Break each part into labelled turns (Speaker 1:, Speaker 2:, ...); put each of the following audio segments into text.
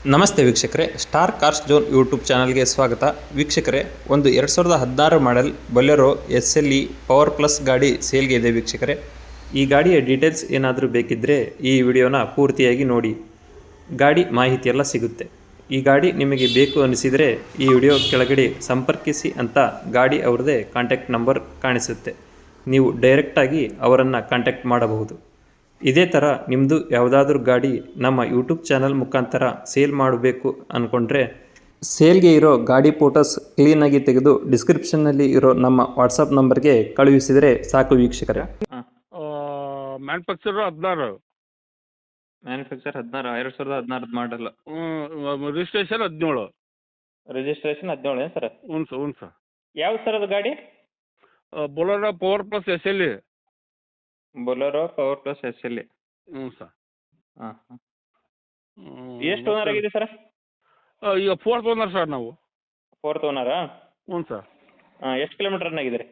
Speaker 1: ನಮಸ್ತೆ ವೀಕ್ಷಕರೇ, star cars zone YouTube ಚಾನಲ್ಗೆ ಸ್ವಾಗತ. ವೀಕ್ಷಕರೇ, ಒಂದು 2016 model Bolero SLE power plus ಗಾಡಿ ಸೇಲ್ಗೆ ಇದೆ ವೀಕ್ಷಕರೇ. ಈ ಗಾಡಿಯ ಡೀಟೇಲ್ಸ್ ಏನಾದರೂ ಬೇಕಿದ್ದರೆ ಈ ವಿಡಿಯೋನ ಪೂರ್ತಿಯಾಗಿ ನೋಡಿ, ಗಾಡಿ ಮಾಹಿತಿ ಎಲ್ಲ ಸಿಗುತ್ತೆ. ಈ ಗಾಡಿ ನಿಮಗೆ ಬೇಕು ಅನಿಸಿದರೆ ಈ ವಿಡಿಯೋ ಕೆಳಗಡೆ ಸಂಪರ್ಕಿಸಿ ಅಂತ ಗಾಡಿ ಅವ್ರದ್ದೇ ಕಾಂಟ್ಯಾಕ್ಟ್ ನಂಬರ್ ಕಾಣಿಸುತ್ತೆ. ನೀವು ಡೈರೆಕ್ಟಾಗಿ ಅವರನ್ನು ಕಾಂಟ್ಯಾಕ್ಟ್ ಮಾಡಬಹುದು. ಇದೇ ಥರ ನಿಮ್ಮದು ಯಾವುದಾದ್ರೂ ಗಾಡಿ ನಮ್ಮ ಯೂಟ್ಯೂಬ್ ಚಾನಲ್ ಮುಖಾಂತರ ಸೇಲ್ ಮಾಡಬೇಕು ಅಂದ್ಕೊಂಡ್ರೆ ಸೇಲ್ಗೆ ಇರೋ ಗಾಡಿ ಫೋಟೋಸ್ ಕ್ಲೀನಾಗಿ ತೆಗೆದು ಡಿಸ್ಕ್ರಿಪ್ಷನ್ನಲ್ಲಿ ಇರೋ ನಮ್ಮ ವಾಟ್ಸಪ್ ನಂಬರ್ಗೆ ಕಳುಹಿಸಿದರೆ ಸಾಕು ವೀಕ್ಷಕರೇ.
Speaker 2: ಮ್ಯಾನುಫ್ಯಾಕ್ಚರ್ 16,
Speaker 1: ಮ್ಯಾನುಫ್ಯಾಕ್ಚರ್ 2016 ಮಾಡಲ್ಲ,
Speaker 2: ರಿಜಿಸ್ಟ್ರೇಷನ್ 17.
Speaker 1: Registration 17 sir?
Speaker 2: ಹ್ಞೂ ಸರ್.
Speaker 1: ಯಾವ ಸರ್ ಅದು ಗಾಡಿ?
Speaker 2: Bolero power plus SLE.
Speaker 1: Bolero power plus SLE.
Speaker 2: ಹ್ಞೂ ಸರ್.
Speaker 1: ಹಾಂ ಹಾಂ. ಎಷ್ಟು ಓನರ್ ಆಗಿದೆ ಸರ್?
Speaker 2: ಈಗ 4th ಓನರ್ ಸರ್ ನಾವು.
Speaker 1: 4th ಓನರಾ?
Speaker 2: ಹ್ಞೂ ಸರ್.
Speaker 1: ಎಷ್ಟು ಕಿಲೋಮೀಟರ್ ರನ್ ಆಗಿದೆ ರೀ?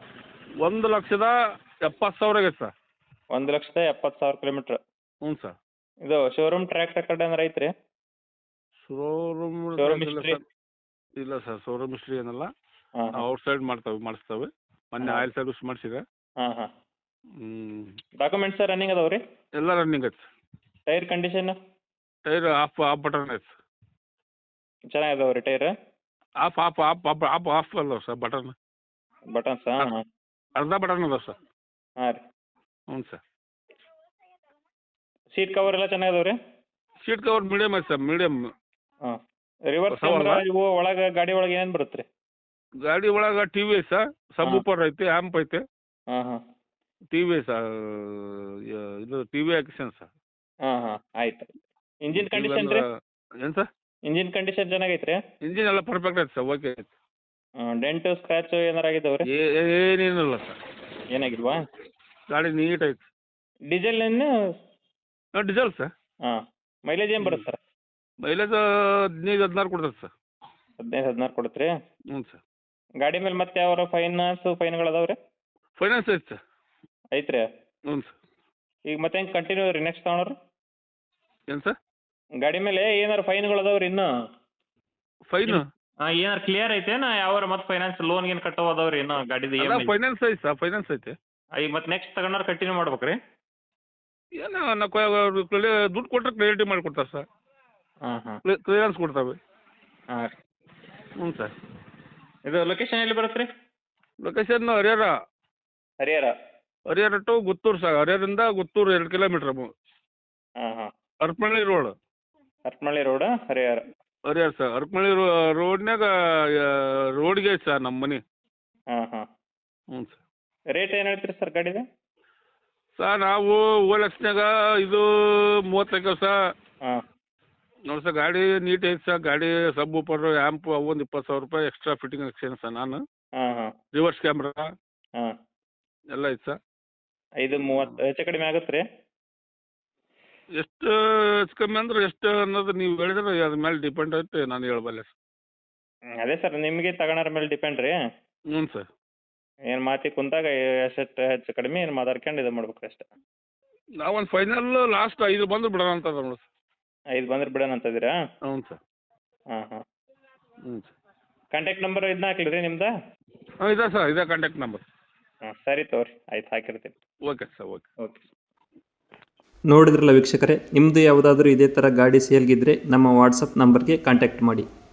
Speaker 2: 1,70,000 ಆಗೈತೆ ಸರ್.
Speaker 1: 1,70,000 ಕಿಲೋಮೀಟ್ರ್.
Speaker 2: ಹ್ಞೂ ಸರ್.
Speaker 1: ಇದು ಶೋರೂಮ್ ಟ್ರ್ಯಾಕ್ ರೆಕಾರ್ಡ್ ಏನಾರು ಐತ್ರಿ?
Speaker 2: Showroom
Speaker 1: history?
Speaker 2: ಇಲ್ಲ ಸರ್, ಶೋರೂಮ್ ಹಿಸ್ಟ್ರಿ ಏನಲ್ಲ.
Speaker 1: ಹಾಂ
Speaker 2: ಔಟ್ ಸೈಡ್ ಮಾಡಿಸ್ತೇವೆ. ಮೊನ್ನೆ ಆಯಿಲ್ ಸರ್ವಿಸ್ ಮಾಡಿಸಿದೆ.
Speaker 1: ಹಾಂ ಹಾಂ. ಡಾಕ್ಯುಮೆಂಟ್ಸ್ ರನ್ನಿಂಗ್ ಅದಾವೆ ರೀ?
Speaker 2: ಎಲ್ಲ ರನ್ನಿಂಗ್ ಐತೆ.
Speaker 1: Tyre condition?
Speaker 2: Tyre off button ಐತೆ.
Speaker 1: ಚೆನ್ನಾಗಿದಾವೆ ರೀ ಟೈರ್?
Speaker 2: ಆಫ್ ಅಲ್ಲ ಸರ್, ಬಟನ್.
Speaker 1: ಬಟನ್ಸ್? ಹಾಂ ಹಾಂ.
Speaker 2: ಅರ್ಧ ಬಟನ್ ಅದಾವೆ ಸರ್.
Speaker 1: ಹಾಂ ರೀ.
Speaker 2: ಹ್ಞೂ ಸರ್.
Speaker 1: ಸೀಟ್ ಕವರ್ ಎಲ್ಲ ಚೆನ್ನಾಗಿದಾವೆ ರೀ?
Speaker 2: ಸೀಟ್ ಕವರ್ ಮೀಡಿಯಮ್ ಐತೆ ಸರ್, ಮೀಡಿಯಮ್.
Speaker 1: ಹಾಂ. ರಿವರ್ಸ್ ಕ್ಯಾಮ್ರಾ ಇವು ಒಳಗೆ ಗಾಡಿ ಒಳಗೆ ಏನೇನು ಬರುತ್ತೆ ರೀ?
Speaker 2: ಗಾಡಿ ಒಳಗೆ TV ಐತೆ ಸರ್, ಸಬ್ ಊಪರ್ ಐತೆ, ಆ್ಯಂಪ್ ಐತೆ.
Speaker 1: ಹಾಂ ಹಾಂ.
Speaker 2: TV ಸರ್, ಇದು TV ಆಕ್ಷನ್ ಸರ್.
Speaker 1: ಹಾಂ ಹಾಂ, ಆಯ್ತು. ಇಂಜಿನ್ ಕಂಡೀಷನ್ ರೀ?
Speaker 2: ಏನು ಸರ್?
Speaker 1: ಇಂಜಿನ್ ಕಂಡೀಷನ್ ಚೆನ್ನಾಗೈತೆ ರೀ?
Speaker 2: ಇಂಜಿನ್ ಎಲ್ಲ ಪರ್ಫೆಕ್ಟ್ ಐತೆ ಸರ್, ಓಕೆ ಐತೆ.
Speaker 1: ಡೆಂಟು ಸ್ಕ್ರ್ಯಾಚು ಏನಾರು ಆಗಿದಾವೆ ರೀ?
Speaker 2: ಏನೇನಿಲ್ಲ ಸರ್.
Speaker 1: ಏನಾಗಿಲ್ವಾ?
Speaker 2: ಗಾಡಿ ನೀಟ್ ಐತೆ.
Speaker 1: ಡೀಸೆಲ್ ಏನು?
Speaker 2: Diesel sir.
Speaker 1: ಹಾಂ. ಮೈಲೇಜ್ ಏನು ಬರುತ್ತೆ ಸರ್?
Speaker 2: ಮೈಲೇಜ್ 15-16 ಕೊಡ್ತದೆ ಸರ್.
Speaker 1: 15-16 ಕೊಡುತ್ತೆ ರೀ?
Speaker 2: ಹ್ಞೂ ಸರ್.
Speaker 1: ಗಾಡಿ ಮೇಲೆ ಮತ್ತೆ ಯಾವ ಫೈನ್ಗಳು ಅದಾವೆ ರೀ?
Speaker 2: ಫೈನಾನ್ಸ್ ಐತೆ ಸರ್.
Speaker 1: ಐತೆ ರೀ?
Speaker 2: ಹ್ಞೂ ಸರ್.
Speaker 1: ಈಗ ಮತ್ತೆ ಹೆಂಗೆ ಕಂಟಿನ್ಯೂ ರೀ ನೆಕ್ಸ್ಟ್ ತಗೊಳೋರು?
Speaker 2: ಏನು ಸರ್?
Speaker 1: ಗಾಡಿ ಮೇಲೆ ಏನಾರು ಫೈನ್ಗಳು ಅದಾವೆ ರೀ ಇನ್ನೂ?
Speaker 2: ಫೈನು?
Speaker 1: ಹಾಂ, ಏನಾರು ಕ್ಲಿಯರ್ ಐತೇನ? ಯಾವಾರ ಮತ್ತೆ ಫೈನಾನ್ಸ್ ಲೋನ್ ಏನು ಕಟ್ಟೋ ಅದಾವೆ ರೀ ಇನ್ನೂ ಗಾಡಿದು?
Speaker 2: ಫೈನಾನ್ಸ್ ಐತೆ ಸರ್, ಫೈನಾನ್ಸ್ ಐತೆ.
Speaker 1: ಈಗ ಮತ್ತೆ ನೆಕ್ಸ್ಟ್ ತಗೊಂಡ್ರೆ ಕಂಟಿನ್ಯೂ ಮಾಡ್ಬೇಕು ರೀ?
Speaker 2: ಏನೋ ನಾವು ದುಡ್ಡು ಕೊಟ್ಟರೆ ಕ್ಲಿಯರಿಟಿ ಮಾಡಿಕೊಡ್ತಾರೆ ಸರ್.
Speaker 1: ಹಾಂ ಹಾಂ.
Speaker 2: ಕ್ಲಿಯರೆನ್ಸ್ ಕೊಡ್ತವೆ.
Speaker 1: ಹಾಂ ರೀ.
Speaker 2: ಹ್ಞೂ ಸರ್.
Speaker 1: ಇದು ಲೊಕೇಶನ್ ಎಲ್ಲಿ ಬರುತ್ತೆ ರೀ?
Speaker 2: Location Harihara. Harihara to Gutturu sir. ಹರಿಹರದಿಂದ ಗುತ್ತೂರು 2 ಕಿಲೋಮೀಟ್ರ್.
Speaker 1: ಹಾಂ ಹಾಂ.
Speaker 2: Harapanahalli road.
Speaker 1: Harapanahalli road, Harihara
Speaker 2: sir. Harapanahalli ರೋಡ್ನಾಗ ರೋಡ್ಗೆ ಐತೆ ಸರ್ ನಮ್ಮ ಮನೆ.
Speaker 1: ಹಾಂ ಹಾಂ.
Speaker 2: ಹ್ಞೂ ಸರ್.
Speaker 1: ರೇಟ್ ಏನು ಹೇಳ್ತೀರಿ ಸರ್ ಗಾಡಿದು?
Speaker 2: ಸರ್ ನಾವು OLXನಾಗ ಇದು 35 ಸರ್.
Speaker 1: ಹಾಂ.
Speaker 2: ನೋಡಿ ಸರ್, ಗಾಡಿ ನೀಟ್ ಐತೆ ಸರ್. ಗಾಡಿ ಸಬ್ ಊಪರ್ ಆ್ಯಂಪ್ ಒಂದು 20,000 ರೂಪಾಯಿ ಎಕ್ಸ್ಟ್ರಾ ಫಿಟ್ಟಿಂಗ್ ಹಾಕ್ಸೇನೆ ಸರ್ ನಾನು.
Speaker 1: ಹಾಂ ಹಾಂ.
Speaker 2: ರಿವರ್ಸ್ ಕ್ಯಾಮ್ರಾ
Speaker 1: ಹಾಂ.
Speaker 2: ಎಲ್ಲ ಐತೆ ಸರ್.
Speaker 1: 5-30 ಹೆಚ್ಚು ಕಡಿಮೆ ಆಗುತ್ತೆ ರೀ?
Speaker 2: ಎಷ್ಟು ಹೆಚ್ಚು ಕಮ್ಮಿ ಅಂದ್ರೆ ಎಷ್ಟು ಅನ್ನೋದು ನೀವು ಹೇಳಿದ್ರೆ ಅದ್ರ ಮೇಲೆ ಡಿಪೆಂಡ್ ಐತೆ, ನಾನು ಹೇಳಬಲ್ಲೆ ಸರ್.
Speaker 1: ಅದೇ ಸರ್, ನಿಮಗೆ ತಗೊಳೋರ ಮೇಲೆ ಡಿಪೆಂಡ್ ರೀ.
Speaker 2: ಹ್ಞೂ ಸರ್.
Speaker 1: ಏನು ಮಾತಿ ಕುಂತಾಗ ಎಷ್ಟು ಹೆಚ್ಚು ಕಡಿಮೆ ಏನು ಮಾತಾಡ್ಕೊಂಡು ಇದು ಮಾಡ್ಬೇಕು ಅಷ್ಟೇ.
Speaker 2: ನಾವೊಂದು ಫೈನಲ್ ಲಾಸ್ಟ್ 5 ಬಂದು ಬಿಡೋಣ ಅಂತ ನೋಡಿ ಸರ್.
Speaker 1: 5 ಬಂದ್ರೆ ಬಿಡೋಣ ಅಂತಿದ್ದೀರಾ?
Speaker 2: ಹ್ಞೂ ಸರ್.
Speaker 1: ಹಾಂ ಹಾಂ.
Speaker 2: ಹ್ಞೂ ಸರ್.
Speaker 1: ಕಾಂಟ್ಯಾಕ್ಟ್ ನಂಬರ್ ಇದನ್ನ ಹಾಕ್ಲಿ ರೀ ನಿಮ್ದು?
Speaker 2: ಹಾಂ, ಇದೆ ಸರ್, ಇದೆ ಕಾಂಟ್ಯಾಕ್ಟ್ ನಂಬರ್.
Speaker 1: ಹಾಂ, ಸರಿ ತಗೋರಿ, ಆಯ್ತು ಹಾಕಿರ್ತೀನಿ.
Speaker 2: Okay sir, okay.
Speaker 1: ಓಕೆ. ನೋಡಿದ್ರಲ್ಲ ವೀಕ್ಷಕರೇ, ನಿಮ್ಮದು ಯಾವುದಾದ್ರೂ ಇದೇ ಥರ ಗಾಡಿ ಸೇಲ್ಗಿದ್ರೆ ನಮ್ಮ ವಾಟ್ಸಪ್ ನಂಬರ್ಗೆ ಕಾಂಟ್ಯಾಕ್ಟ್ ಮಾಡಿ.